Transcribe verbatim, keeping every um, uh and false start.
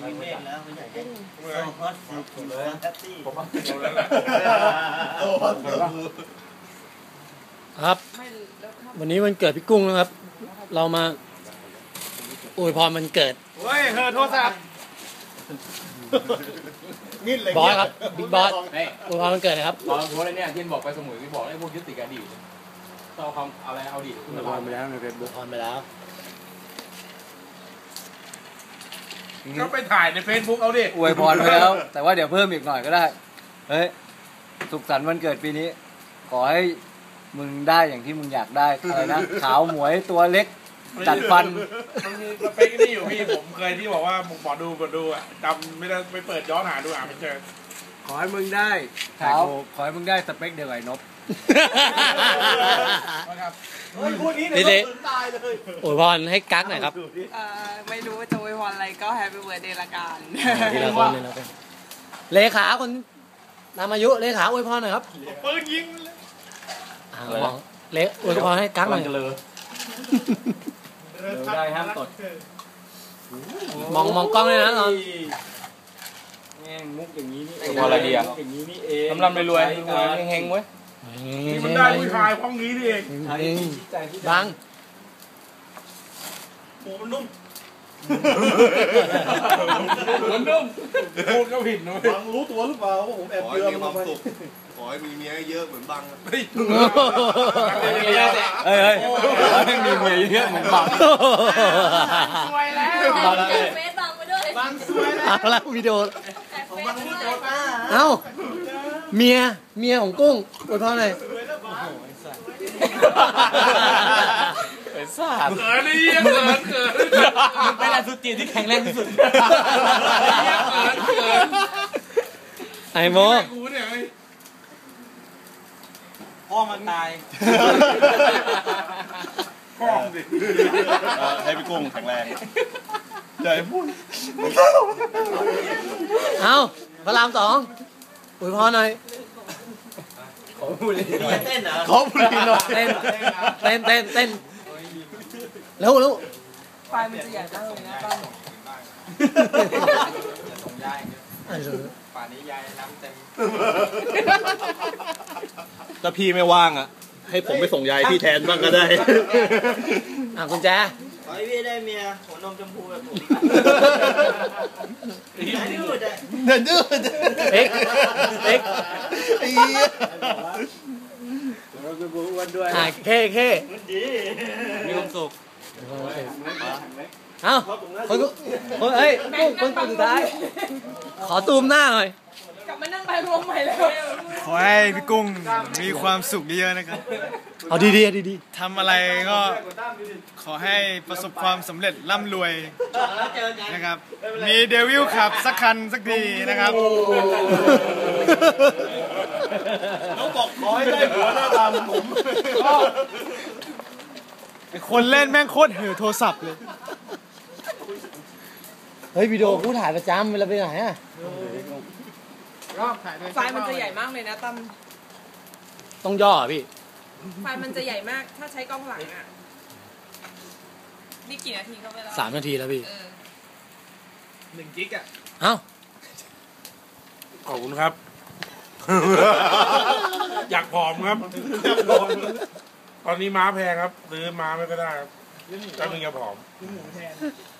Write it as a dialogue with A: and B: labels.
A: มีเมฆแล้วไม่ใช่เโซฮอตฟูแฮปปี้ผมว่า
B: ครับวันนี้วันเกิดพี่กุ้งนะครับเรามาอวยพรวันเกิด
C: เฮ้ยเธอโทรศัพท์
B: บอสครับบิ๊กบอสอวยพรวันเกิดนะครับ
C: ตอนโพสอะไรเนี่ยที่บอกไปสมุยที่บอกไอ้พวกยึดติดอดีตเอาคำอะไรเอาดีอวยพรไปแล้วในเฟซบุ๊ก
B: อวยพรไปแล้ว
C: ก็ไปถ่ายในเฟซบุ๊กเอาดิ
D: อวยพรไปแล้วแต่ว่าเดี๋ยวเพิ่มอีกหน่อยก็ได้เฮ้ยสุขสันต์วันเกิดปีนี้ขอให้มึงได้อย่างที่มึงอยากได้อะไรนะขาวหมวยตัวเล็กจัดฟัน
C: มันมีสเปคนี่อยู่พี่ผมเคยที่บอกว่าหมอดูหมอดูอ่ะจำไม่ได้ไปเปิดย้อนหาดูอ่ะไม่เจอ
D: ขอให้มึงได้ขาวขอให้มึงได้สเปคเดียวกับไอ้นบ
A: เฮ้ยพูดนี้เนี่ยตายเลย
B: อวยพรให้กั๊กหน่อยครับ
E: ไม่รู้ว่าจะอวยพรอะไรก็แฮปปี้เบิร์ธเดย์ละกัน
B: ทีละคนเลยแล้วกันเลขาคนนามอายุเลขาอวยพรหน่อยครับ
C: ปืนยิง
B: มองเลอวยพรให้กั๊กหน่อย
D: ได้ห้ามตด
B: มองมองกล้องเลยนะตอน
D: แง่งมุกอย่างนี้นี่
C: พอละเดีย
D: อย่างนี้นี่เอง
C: ลำลำรวยๆเฮงๆเว้ยที่มันได้ผู้ชายห้องนี้นี่เอง
B: บัง
A: หมูมันนุ่ม
C: มันนุ่มพูดก็ผิดนะ
A: บังรู้ตัวหรือเปล่าว่าผมแอบเยื่อ
F: ความสุขขอให้มีเมียเยอะเหมือนบัง
D: เฮ้ยเฮ้ยให้มีเมียเยอะเหมือนบัง
E: สวยแล้ว
B: บัง
E: เฟซบังไปด้วย
A: บังสวยแล้ว
B: เอาละวิดีโอ
A: ผมบังวิดีโอป้า
B: เอ้าเมียเมียของกุ้งอวยพรหน่อย
C: ไอ้สัตว์เขินนี่เขินเขิน
B: มันเป็นอะไรสุดจีที่แข็งแรงที่สุดไอ้โม
A: พ่อมันตาย
C: พ่อดิ
F: ให้พี่กุ้งแข็งแรงอย่าให้พูด
B: เอาพระรามสองอวยพรหน่อย
A: ขอพูดเลยเต้นเหรอ
B: ขอพูดหน่อยเต้นเต้นเต้นเต้นเร็วเร็ว
E: ไฟมันจะใหญ่มากเลยนะป้า
A: ส่งยายป่านนี้ยายน้ำเต็ม
F: ถ้าพี่ไม่ว่างอ่ะให้ผมไปส่งยายพี่แทนบ้างก็ได้
B: อ่ะคุณแจ
A: ขอให้พี่ได้เมียหัวนมชมพูแบบผมอย่าดื้อเลย
F: อย่าดื้อ
B: เอ็กเอ็ก
A: เราเป็นบัวอ้วนด้วย
B: อ่ะเค้เค้
A: มีความสุข
B: เอ้าคนคนเอ้ยกุ้งคนสุดท้ายขอตูมหน้าหน่อย
E: กลับมานั่งไปรวมใหม่แล้ว
D: ขอให้พี่กุ้งมีความสุขเยอะๆนะครับ
B: เอาดีๆดี
D: ๆทำอะไรก็ขอให้ประสบความสำเร็จร่ำรวยนะครับมีเดวิลขับสักคันสักทีนะครับ
F: น้องบอกขอให้ได้หัวหน้าตาเหมือนผม
D: คนเล่นแม่งโคตรเหือโทรศัพท์เลย
B: เฮ้ยวิดีโอกูถ่ายประจำเวลาไปไหนอ่ะ
E: ไฟมันจะใหญ่มากเลยนะตั้ม
B: ต้องย่อพี่
E: ไฟมันจะใหญ่มากถ้าใช้กล้องหลังอ่ะนี่กี่นาทีเข้าไปแล้ว
B: สามนาทีแล้วพี่
C: หนึ่งกิกอ่ะ
B: เอ้า
C: ขอบคุณครับอยากผอมครับตอนนี้ม้าแพงครับซื้อม้าไม่ก็ได้ครับจะมึงจะผอม